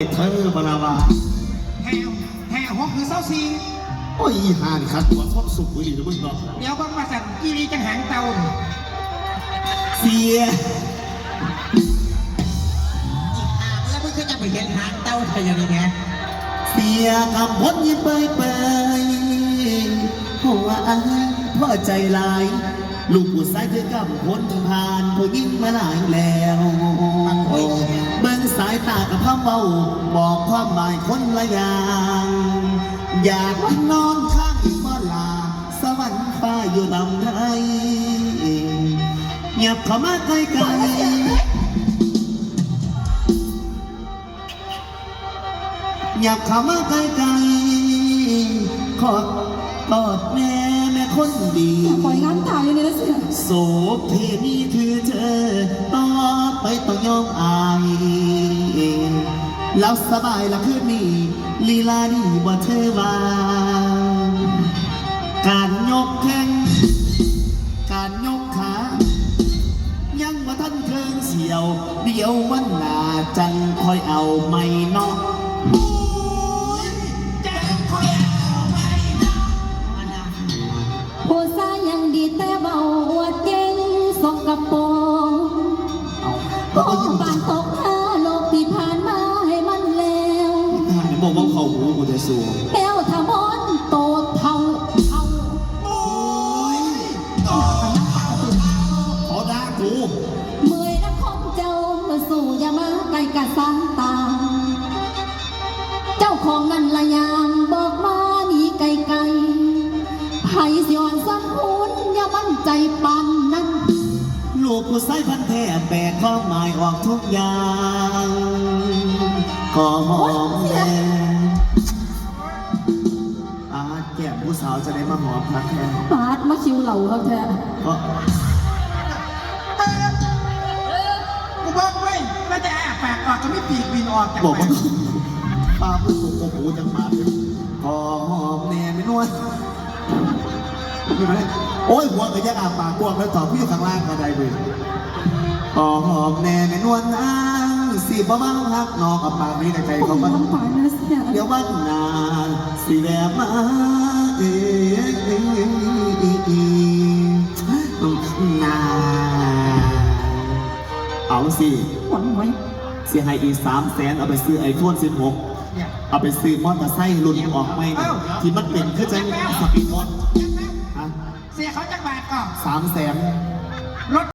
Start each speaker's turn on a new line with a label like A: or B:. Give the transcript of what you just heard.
A: เธอมาลาวา
B: แห่หกคือเศร้าซี
A: โอ้ยหาดิครับตัวชอบสุกเลยนะมึงเนาะ
B: เดี๋ยวก็มาสั่นกีรีจังหางเตา
A: เสีย
B: แล้วมึงก็จะไปเห็นหางเตาไทยยังไง
A: เสียคำพ้นยิ้มเปยเปยหัวอ้ายพ่อใจลายลูกผู้ชายเธอกับพ้นผ่านผู้ยิ่งมาหลายแล้วเบิ่งสายตากับพ่อเบาบอกความหมายคนละอย่างอยากนอนข้างอีกบ่ลาสวรรค์ฟ้าอยู่ลำไทยเงียบเข้ามาใกล้ๆอยากเข้ามาใกล้ๆขอกอดแม่คนดี
C: ปล่อยงานถ่ายอยู่ในนั้นเสีย
A: โสเพณีคือเธอต่อไปต้องยอมอายแล้วสบายละคืนนี้ลีลาดีบ่เธอว่าการยกแข้งการยกขายังว่าท่านเคิงเสียวเดี๋ยววันหน้าจังคอยเอาไม่นอก
C: ผู้ชายยังดีแต่เบาอวดเก่งสกปรกโอ้บานตกท่าโลกที่ผ่านมาให้มันแล้ว
A: บอกว่าเขาหูกูจะสูง
C: แก้วทำอนโตเท่า
A: โอ้ยขอด่ากู
C: เมื่อยนักคมเจ้าสู่อย่ามาไกลกะสางตาเจ้าของนั่นละยามบอกมาหนีไกลไผ่สิอ่อนสักหุ่นอย่ามั่นใจปานนั้น
A: ลูกผู้ชายพันแท้แบกข้อหมายออกทุกอย่างก็หอมแน่แก้มผู้สาวจะได้มาหอมพักแท้
C: ปาดมาคิวเหล่าครับแท้
B: กูบอกไว้ไม่แต่แปลกออกก็ไม่ปีกบินออกจาก
A: บอกว่าป้าพูดถูกหูจังหมาพอหอมแน่ไม่นวลโอ้ยหัวกระยักอาปากกวงแล้วตอบพี่อยู่ข้างล่างก็ได้เลยพอหอมแน่ไม่นวลนางสีบ้าบ้าฮักนอกกับปากนี้ในใจเขาบ้านเดี๋ยววันนานสีแวบมานาเอาสิ
C: หวังไว้
A: เสียหายอีก300,000เอาไปซื้อไอโฟน16เอาไปซื้อมอเตอร์ไซค์รุ่นออกไม่ที่มันเป็นคือจะสปีดมอเตอร์
B: เสียเขาจักบาทก่อน
A: 300,000
B: รถ